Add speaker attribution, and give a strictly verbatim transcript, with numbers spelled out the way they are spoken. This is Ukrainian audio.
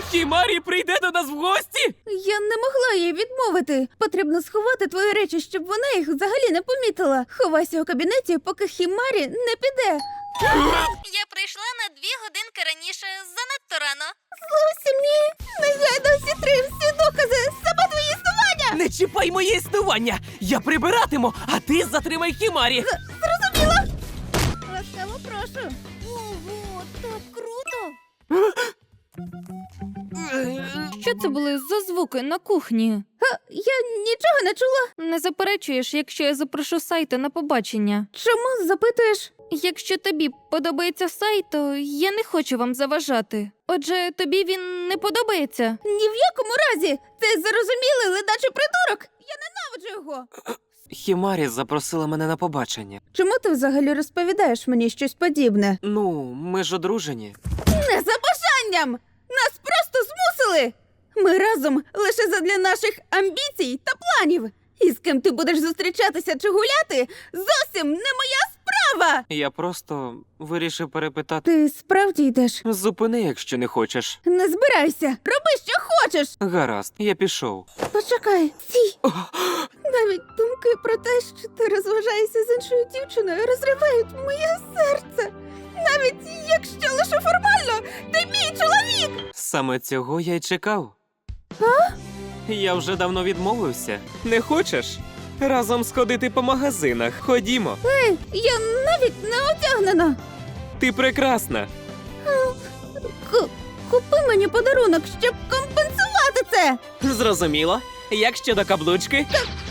Speaker 1: Хімарі прийде до нас в гості?
Speaker 2: Я не могла їй відмовити. Потрібно сховати твої речі, щоб вона їх взагалі не помітила. Ховайся у кабінеті, поки Хімарі не піде.
Speaker 3: Я прийшла на дві годинки раніше, занадто рано.
Speaker 2: Зовсім ні. Негайно зітри всі докази саме твої існування.
Speaker 1: Не чіпай моє існування! Я прибиратиму, а ти затримай Хімарі!
Speaker 2: Зрозуміла? Ласкаво прошу.
Speaker 3: Ого, так круто!
Speaker 4: Що це були за звуки на кухні?
Speaker 2: А, я нічого не чула.
Speaker 4: Не заперечуєш, якщо я запрошу Сайто на побачення?
Speaker 2: Чому запитуєш?
Speaker 4: Якщо тобі подобається Сайто, я не хочу вам заважати. Отже, тобі він не подобається?
Speaker 2: Ні в якому разі. Це зарозумілий ледачий придурок. Я ненавиджу його.
Speaker 1: Хімарі запросила мене на побачення.
Speaker 2: Чому ти взагалі розповідаєш мені щось подібне?
Speaker 1: Ну, ми ж одружені.
Speaker 2: Не за бажанням! Нас просто змусили! Ми разом лише задля наших амбіцій та планів. І з ким ти будеш зустрічатися чи гуляти, зовсім не моя справа!
Speaker 1: Я просто вирішив перепитати.
Speaker 2: Ти справді йдеш?
Speaker 1: Зупини, якщо не хочеш.
Speaker 2: Не збирайся! Роби, що хочеш!
Speaker 1: Гаразд, я пішов.
Speaker 2: Почекай, стій! Навіть думки про те, що ти розважаєшся з іншою дівчиною, розривають моє серце. Навіть якщо лише формально, ти мій чоловік!
Speaker 1: Саме цього я й чекав. А? Я вже давно відмовився. Не хочеш? Разом сходити по магазинах. Ходімо.
Speaker 2: Ей, я навіть не одягнена.
Speaker 1: Ти прекрасна.
Speaker 2: К- купи мені подарунок, щоб компенсувати це.
Speaker 1: Зрозуміло. Як щодо каблучки?